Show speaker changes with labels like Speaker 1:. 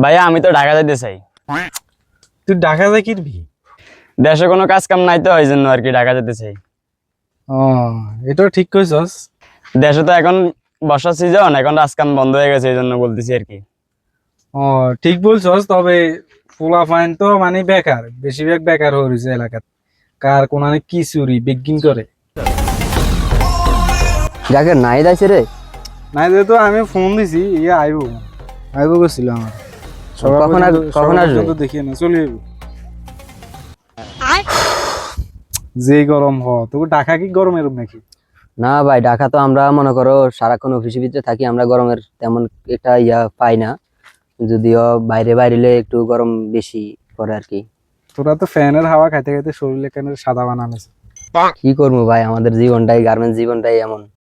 Speaker 1: ভাইয়া আমি তো ঢাকা যাইতে চাই।
Speaker 2: তুই ঢাকা যাই কিনবি?
Speaker 1: দেশে কোনো কাজ কাম নাই তো এই জন্য আর কি ঢাকা যেতে চাই।
Speaker 2: ও, এটাও ঠিক কইছস।
Speaker 1: দেশে তো এখন বর্ষার সিজন, এখন কাজ কাম বন্ধ হয়ে গেছে এই জন্য বলতেছি আর কি।
Speaker 2: ও, ঠিক বলছস, তবে পোলাপাইন তো মানে বেকার, বেশিরভাগ বেকার হয়ে রয়েছে এলাকাত। কার কোনানে কি চুরি বিজ্ঞিন করে।
Speaker 3: যাকে নাই দাইছে রে।
Speaker 2: নাই যেহেতু আমি ফোন দিছি, ইয়ে আইবো আইবো গেছিল আমার।
Speaker 3: কখন আসবে?
Speaker 2: দেখিয়ে না চলে যাবো। যে গরম তোকে ঢাকা কি গরম এরম নাকি?
Speaker 3: না ভাই, ঢাকা তো আমরা মনে করো সারাক্ষণ অফিসের ভিতরে থাকি, আমরা গরমের তেমন একটা পাই না। যদিও বাইরে বাইরে একটু গরম বেশি পড়ে আর কি।
Speaker 2: তোরা তো ফ্যানের হাওয়া খাইতে খাইতে শরীরে কেন সাদা বানানো।
Speaker 3: কি করবো ভাই, আমাদের জীবনটাই, গার্মেন্টস জীবনটাই এমন।